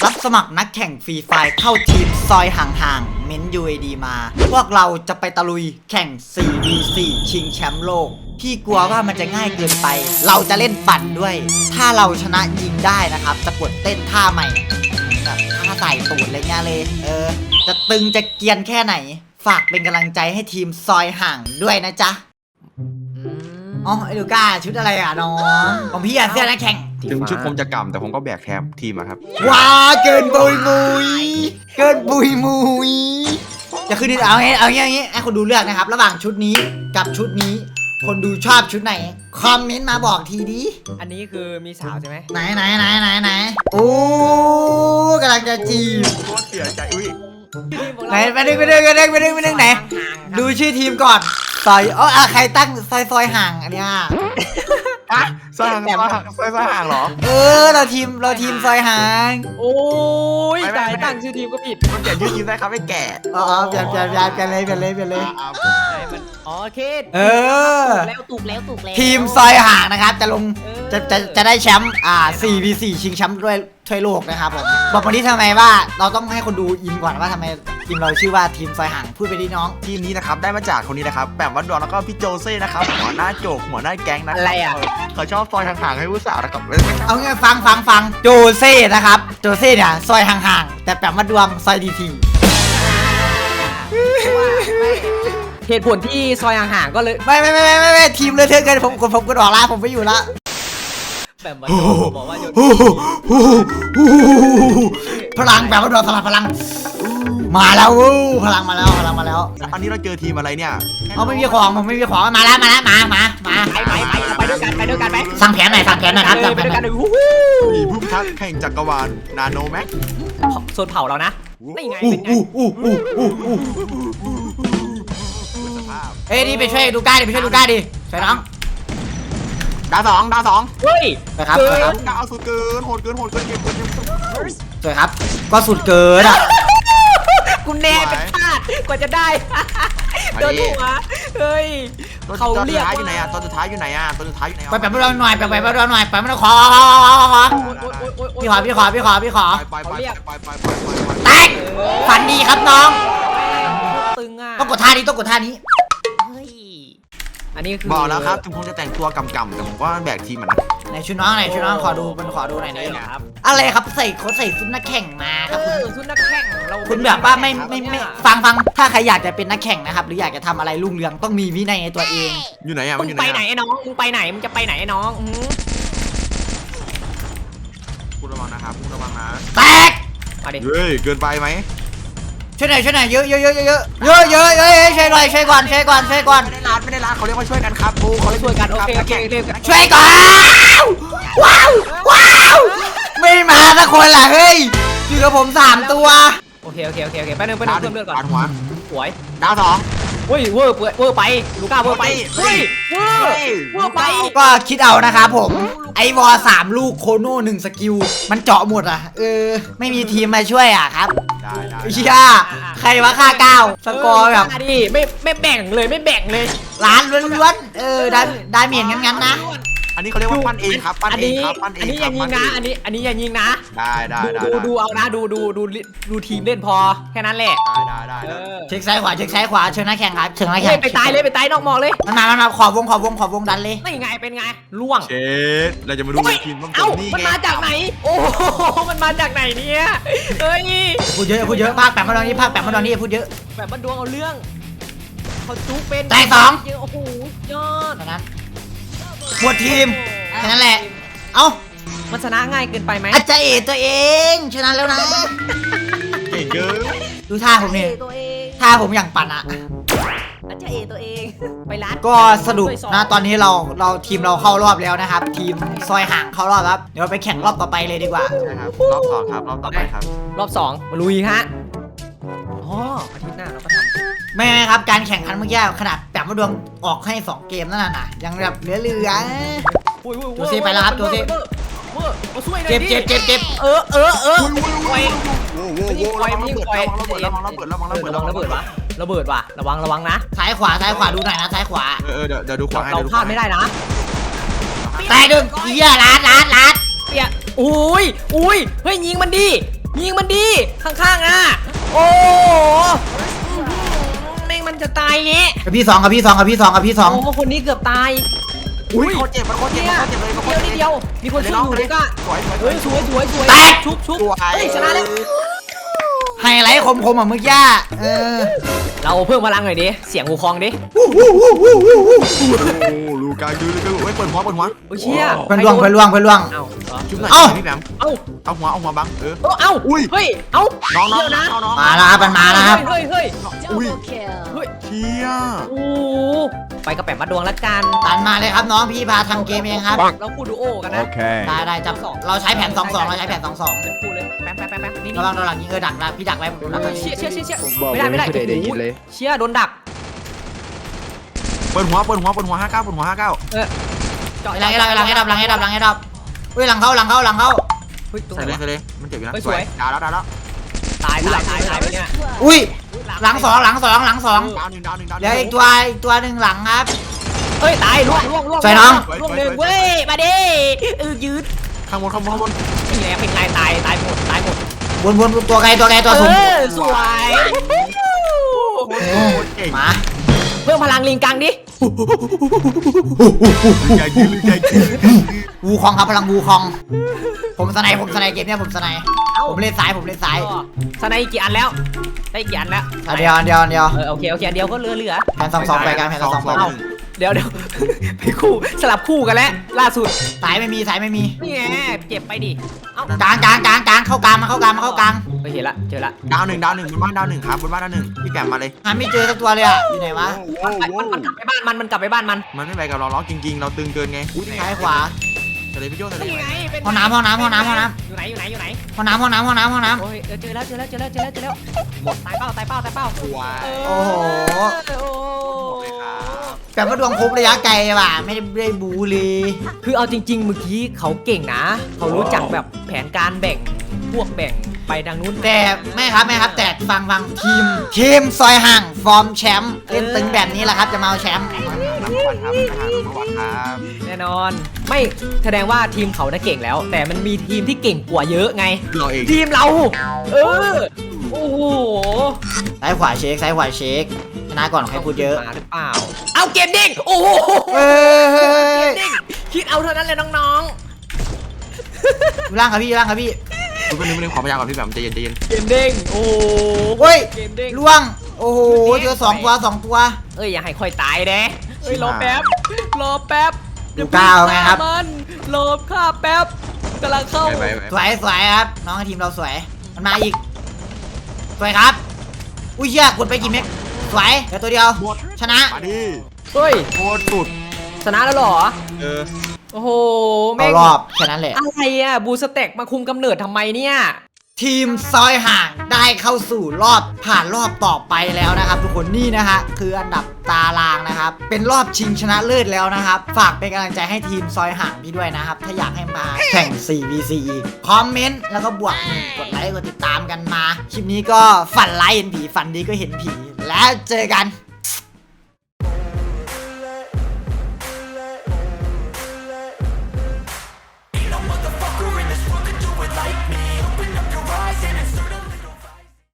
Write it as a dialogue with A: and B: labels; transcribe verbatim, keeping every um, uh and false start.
A: รับสมัครนักแข่งฟรีไฟล์เข้าทีมซอยห่างๆเม้น ยู เอ ดี มา พวกเราจะไปตะลุยแข่ง สี่ วี สี่ ชิงแชมป์โลกพี่กลัวว่ามันจะง่ายเกินไปเราจะเล่นปั่นด้วยถ้าเราชนะยิงได้นะครับจะกดเต้นท่าใหม่แบบท่าใส่ตูดอะไรเงี้ยเลยเออจะตึงจะเกรียนแค่ไหนฝากเป็นกำลังใจให้ทีมซอยห่างด้วยนะจ๊ะอ๋อไอ้ลูก้าชุดอะไรอ่ะน้องของพี่อ่ะเสื้อนักแข่ง
B: ถึงชุดผมจะกำแต่ผมก็แบกแทบทีมอะครับ
A: ว้าเกินบุยมุยเกินบุยมุยจะขึ้นเอางี้เอางี้เอางี้ให้คนดูเลือกนะครับระหว่างชุดนี้กับชุดนี้คนดูชอบชุดไหนคอมเมนต์มาบอกทีดิ
C: อันนี้คือมีสาวใช่ไหม
A: ไหนไหนไหนไหนไหนโอ้กำลังจะจีบ
B: โคตรเสียใจอุ้ย
A: ไหนไปดึงไปดึงไปดึงไปดึงไปดึงไหนดูชื่อทีมก่อนซอยอ๋อใครตั้งซอยซอยห่างอันเนี้ย
B: อะซอยห่างซอยซอยห่างเหรอ
A: เออเราทีมเราทีมซอยห่าง
C: โอ้ยแต่ตั้งชื่อทีมก็ผิด
B: มันเปลี่ยนชื่อทีมได้ครับไม่แก่
A: อ๋อเปลี่ยนเปลี่ยนเปลี่ยนเปลี่ยนเลยเปลี่ยนเลยเปลี่ยนเลย
C: อ๋อเคส
A: เออ
C: แล้วตุกแล้วตุกแล้ว
A: ทีมซอยห่างนะครับจะลงจะจะจะได้แชมป์อ่า สี่ วี สี่ ชิงแชมป์ด้วยถ้วยโลกนะครับผมบอกวันนี้ทำไมว่าเราต้องให้คนดูอินก่อนว่าทำไมทีมเราชื่อว่าทีมซอยห่างพูดไปดิน้อง
B: ทีมนี้นะครับได้มาจากคนนี้นะครับแบบวัดดอนแล้วก็พี่โจเซ่นะครับหัวหน้าโจกหัวหน้าแก๊งนะ
C: อะไรอ่ะ
B: เขาชอบซอยห่างๆให้ผู้สาวนะครับ
A: เอางี้ฟังฟังฟังโจเซ่นะครับโจเซ่เนี่ยซอยห่างๆแต่แบบวัดดวงซอยดีที
C: เหตุผลที่ซอยห่างๆก็เลย
A: ไม่ไม่ไม่ไม่ไม่ทีมเลยเท่ากันผมผมผมก็ออกละผมไม่อยู่ละ
C: แบบว่าบอกว่า
A: พลังแบบว่าโดนสลับพลังมาแล้วพลังมาแล้วพลังมาแล้ว
B: อันนี้เราเจอทีมอะไรเนี่ย
A: เขาไม่มีของผมไม่มีของมาแล้วมาแล้วมามามา
C: ไปไปไปไปด้วยกันไปด้วยกันไหม
A: สั่งแผนหน่อยสั่งแผนหน่อยครับสั่งแผนหน่อย
B: มีผู้พิทักษ์แห่งจักรวาลนาโนแม็ก
C: โซนเผาเรานะนี่ไงเป็นไง
A: เอ้ยนี่ไปช่วยดูก้าดิไปช่วยดูก้าดิช่วยน้อง
B: ดาวสองดาวสอง
A: เฮ้ยนะครับ
B: ดาวสุดเกินโหดเกินโหดเกินเกินเกิน
A: สวยครับก็สุดเกินอ่ะ
C: กูแน่เป็นพลาดกว่าจะได้โดนหัวเฮ้ย
B: เขาเรียกอยู่ไหนอ่ะตอนสุดท้ายอยู่ไหนอ่ะตอนสุดท้ายอยู่ไหน
A: ไปแบบไม่รอหน่อยไปแบบไม่รอหน่อยไปไม่รอขอพี่ขอพี่ขอพี่ขอพี่ขอ
B: ไปไปไปไปไป
A: แตกฝันดีครับน้อง
C: ตึงอ่ะ
A: ต้องกดท่านี้ต้องกดท่านี้
C: อันนี้คือ
B: บอกแล้วครับถึงผมจะแต่งตัวกำกำแต่ผมก็แบกทีมมันนะ
A: ไหนชุดน้องไหนชุดน้องขอดูมันขอดูหน่อยนี่ครับอะไรครับใส่เขาใส่ชุดนักแข่งมาครับคุณ
C: ชุดนักแข่งเรา
A: คุณแบบว่าไม่ไม่ไม่ฟังฟังถ้าใครอยากจะเป็นนักแข่งนะครับหรืออยากจะทำอะไรรุ่งเรืองต้องมีวินัยในตัวเอง
B: อยู่ไหนอ่ะ
C: มึงไปไหนไอ้น้องมึงไปไหนมึงจะไปไหนไอ้น้อง
B: คุณระวังนะครับคุณระวังนะ
A: แตก
B: มาดิเฮ้ยเกินไปไหม
A: ช่วยหน่อยช่วยหน่อยเยอะเยอะเยอะเยอะเยอะเยอะเยอะเยอะช่วยหน่อยช่วยก่อนช่วยก่อนช่วยก่อน
B: ไม่ได้รัดไม่ได้รัดเขาเรียกว่าช่วยกันครับปูเขาเรียก
C: ช่วยกันโอเคโอเค
A: ช่วยก่อนว้าวว้าวไม่มาสักคนล่ะเฮ้ยอยู่กับผมสามตัว
C: โอเคโอเคโอเคโอเคแป๊บนึงแป๊บนึงเพิ่มเลือดก่อน
B: หัว
C: สวย
B: ดาวสอง
C: เฮ้ยเวอร์เวอร์ไปลูก้าเวอร์ไปเฮ้ยเวอร์เวอร์ไป
A: ก็คิดเอานะครับผมไอวอสามลูกโคโน่หนึ่งสกิลมันเจาะหมดอ่ะเออไม่มีทีมมาช่วยอ่ะครับ
B: ได้ได้
A: เชียใครวะค่าเก้าสกอร์แบบ
C: ดิไม่ไม่แบ่งเลยไม่แบ่งเลย
A: ล้านล้วนๆเออได้ได้เมียนงั้นๆนะ
B: อันนี้เขาเรียกว่าปั้นเองครับปั้นเองครับปั้นเอง
C: อันนี้อย่ายิงนะอันนี้อันนี้อย่ายิงนะ
B: ได้ได้
C: ดูดูเอานะดูดูดูดูทีมเล่นพอแค่นั้นแหละ
B: ได้ได้ได้
A: เช็คซ้ายขวาเช็คซ้ายขวาเชิญนักแข่งครับเชิญนักแข่ง
C: ไปตายเลยไปตายนอกมองเลย
A: มันมามันมาขอวงขอวงขอวงดันเลย
C: นี่ไงเป็นไงล่วง
B: เช็ดเราจะมาดูทีมต้อง
C: เอ้ามันมาจากไหนโอ้มันมาจากไหนเนี่ยเฮ้ย
A: พูดเยอะพูดเยอะภาคแปดมาตอนนี้ภาคแปดมาตอนนี้พูดเยอะ
C: แบบมันดวงเอาเรื่องเขาจุ๊บเป็น
A: แต่สอง
C: โอ้โหยอด
A: ตอนนั้นหมดทีมแค่นั้นแหละเอ้า
C: มันชนะง่ายเกินไปไหม
A: อาจารย์เอตัวเองชนะแล้วนะ
B: เก่งเกิน
A: ดูท่าผมเนี่ยท่าผมอย่างปั่นอะ
C: อาจารย์เอตัวเองไปร้าน
A: ก็สรุปนะตอนนี้เราเราทีมเราเข้ารอบแล้วนะครับทีมซอยห่างเข้ารอบครับเดี๋ยวไปแข่งรอบต่อไปเลยดีกว่า
B: ใช่ครับรอบสองครับรอบต่อไปครับ
C: รอบสองมาลุยฮะอ๋ออาทิตย์หน้าเราก็ทำ
A: ไม่ครับการแข่งขันเมื่อกี้ขนาดแบบว่าดวงออกให้สองเกมนั่นน่ะยังแบบเหลือเหลือตัวซีไปแล้วครับตัวซีเจ็บเจ็บเจ็บเจ็บ
C: เออเออเออ
B: โว้โว้โว้โว้ระวังระเบิดระวังระเบิดระวังระเบิดระวังระเบิดระวังระเบิดวะ
C: ระเบิดว่ะระวังระวังนะ
A: ซ้ายขวาซ้ายขวาดูหน่อยนะซ้ายขวา
B: เออเดี๋ยวเดี๋ยวดูขวาให้
C: เราพลาดไม่ได้นะ
A: แต่ดึงเหี้ยล้านล้านล้าน
C: เปียอุ้ยอุ้ยเฮ้ยยิงมันดิยิงมันดีข้างๆอ่ะโอ้โหแม่งมันจะตายเงี้ย
A: กับพี่สองกับพี่สองกับพี่สองกับพี่สอง
C: โอ้คนนี้เกือบตาย
B: อุ้ยเขาเจ็บมันเขาเจ็บ
C: เนี่ย
B: มันเขาเจ็บเลยมันเขา
C: เดียว
B: เจ็บ
C: นิดเดียวมีคนช่วยอยู่เลยก็
B: สวยสวย
C: เฮ้ยสวยสวยสวย
A: แตก
C: ชุบชุบ
B: สวย
C: เฮ้ยชนะแล้ว
A: ไฮไลท์คมๆอ่ะเมื่อกี้เออ
C: เราเพิ่มพลังหน่อยดิเสียงหูคองดิ
B: โอ้ลูกาดูลูกาเฮ้ยเปิดหัวเปิดหัว
C: โอ้ยเชี่ย
A: เพื่อนล่วงเพื่อนล่วงเพื่อนล่วง
C: เอ้าเหรอ
B: ชุบหน่อย
A: เอ้า
B: พี่แบม
C: เอ้า
B: เอาหัวเอาหัวบังเออ
C: เอ้าเอ้า
B: อุ้ย
C: เฮ้ยเอ้า
B: น้องน้อง
C: เดี๋ยวนะ
B: น้องน้อง
A: มาแล้วครับมันมาแล้วครับ
C: เฮ้ยเฮ้ย
B: อุ้ย
C: เฮ้ย
B: เชี่ย
C: โอ้ไปกระแปะมาดวงละกัน
A: ตันมาเลยครับน้องพี่พาทำเกมเองครับ
C: เราพูดดูโอกันนะ
A: ได้ได้จับเราใช้แผนสองสองเราใช้แผนสองสอง
C: พูดเลยแป๊บแป๊บแป๊บแป๊บนี่นี่
A: ระวังระวังยิงเออดักนะพี่ดักไว้ผมดักไว้
C: เชี่ยเชี่ยเชี่ยเชี่ย
D: ผมบอก
C: ไม่ได้ไม่ได้
D: ไม่ได้ได้ยินเลย
C: เชี่ยโดนดัก
B: เปิดหัวเปิดหัวเปิดหัวห้าเก้าเปิดหัวห้าเก้า
C: เออเจาะ
A: หลังให้ดับหลังให้ดับหลังให้ดับหลังให้ดับเฮ้ยหลังเข้าหลังเข้าหลังเข้า
C: เฮ้ยตรงไห
B: ใส่
C: น
B: เลย
C: วะ
B: ใส่เลยมันเจ็บอยู่นะ
C: เฮ้ยสวย
B: ดาวแล้วดาวแล้ว
C: ตายตายตายตายไปเนี่ย
A: อุ้ยหลังสองหลังสองหลังสอง
B: ดาวหนึ่งดาวหนึ่งดาวห
A: เดี๋ยว
B: นึ่
A: อี
B: ง
A: กตัวอีกตัวหนึ่งหลังครับ
C: เฮ้ยตายล่วงล่วงล่วง
A: ใส่น้อง
C: ล่วงหนึ่งเว้ยมาดิเออยืด
B: ข้างบนข้างบนข้างบน
C: นี่แหละเป็นไงตายตายหมดตายหมด
A: วนวนตัวไกลตัวไกลตัวสูง
C: เออสวย
B: โคตรเก่ง
A: มา
C: เพิ่มพลังลิงกังดิ
B: ใหญ่ยืนใหญ่ยืน
A: วูคองครับพลังวูคอง ผมสไนผมสไนเกมเนี้ยผมสไนผมเล่นซ้ายผมเล่นซ้าย
C: สไนกี่อันแล้วได้กี่อันแล้ว
A: อันเดียวอันเดียวอันเดียว
C: เออโอเคโอเคอันเดียวก็เหลือเหลือ
A: แผนสองสองไปกันแผนสองสองไป
B: สอง
C: เดี๋ยวเดี๋ยวไปคู่สลับคู่กันแล้วล่าสุด
A: สายไม่มีสายไม่มี
C: นี่ไงเจ็บไปดิเอ้าก
A: ลางกลางกลางกลางเข้ากลางมาเข้ากลางมาเข้ากลาง
C: ไปเห็นละเจอละ
B: ดาวหนึ่งดาวหนึ่งบนบ้านดาวหนึ่งครับบนบ้านดาวหนึ่งพี่แกมมาเลย
A: หาไม่เจอสักตัวเลยอ่ะอยู่ไหนวะ
C: มันมันกลับไปบ้านมันมันกลับไปบ้านมัน
B: มันไม่ไปกับเราล้อจริงๆ เราตึงเกินไงอุ้ย
A: ซ้ายขวา
B: ใส่เลยพี่โจ้ใส่เลย
C: นี่ไงเป็น
A: ห้องน้ำห้องน้ำห้องน้ำห้องน้
C: อยู่ไหนอยู่ไหนอยู่ไหน
A: ำห้องน้ำห้องน้ำห้องน้ำห้องน้
C: โอ้ยเออเจอแล้วเจอแล้วเจอแล้วเจอแล้วเจอแล้วหมดตายเป้าตายเป้าตายเป้า
B: สวย
A: โอ้โห
C: โอ้
A: แบบว่าดวงครบระยะไกลว่ะไม่ได้ไม่ได้บูเลย
C: คือเอาจริง ๆ เมื่อกี้เขาเก่งนะ เขารู้จักแบบแผนการแบ่งพวกแบ่งไปทางนู้น
A: แต่ไม่ครับไม่ครับแต่ฟังฟังทีมทีมซอยห่างฟอร์มแชมป์เล่นตึงแบบนี้แหละครับจะมาเอาแชมป์
B: น้ำวันครับอาหารน้ำวันครับ
C: แน่นอน ไม่แสดงว่าทีมเขาน่ะเก่งแล้ว แต่มันมีทีมที่เก่งกว่าเยอะไง
B: เราเอง
C: ทีมเรา เออ โอ้โห
A: ซ้ายขวาเช็คซ้ายขวาเช็คชนะก่อนใครพูดเยอะ
C: มาหรือเปล่า เอาเกมเด้งโอ้โห
A: เฮ้ย
C: เกมเด้งคิดเอาเท่านั้นเลยน้อง
A: อยู่ล่างครับพี่อยู่ล่างครับพี่
B: คุณเป็นหนึ่งขอพยาก่อนพี่แบบใจเย็นใจเย็น
C: ๆเกมเด้งโอ้โห
A: เฮ้ย
C: เกมเด้ง
A: ล่วงโอ้โหเจอสองตัวสองตัว
C: เอ้ยอย่าให้ค่อยตายเด้เอ้ยรอแป๊บ รอแป๊บ
A: ดูก้าวไงครับ
C: มันรอข้าแป๊บกำลังเข้า
B: ไปไป
A: สวยสวยครับ น้องทีมเราสวย มันมาอีก สวยครับ อุ้ยเชี่ยกดไปกี่เม็ดสวยเดี๋ยวตัวเดียว ชนะ
B: มาดิ
C: เฮ้ย
B: โคตรสุด
C: ชนะแล้วเหรอ
B: เออ
C: โอ้โห
A: เอา
C: แม่ง
A: รอบแค่นั้นแหละ
C: อะไรอ่ะ บูสเต็กมาคุมกำเนิดทำไมเนี่ย
A: ทีมซอยห่างได้เข้าสู่รอบผ่านรอบต่อไปแล้วนะครับ ทุกคนนี่นะฮะคืออันดับตารางนะครับ เป็นรอบชิงชนะเลิศแล้วนะครับ ฝากเป็นกำลังใจให้ทีมซอยห่างพี่ด้วยนะครับ ถ้าอยากให้มาแข่ง โฟร์ วี ซี อีกคอมเมนต์แล้วก็บวกหนึ่งกดไลค์กดติดตามกันมา คลิปนี้ก็ฝันร้ายเห็นผีฝันดีก็เห็นผี แล้วเจอกัน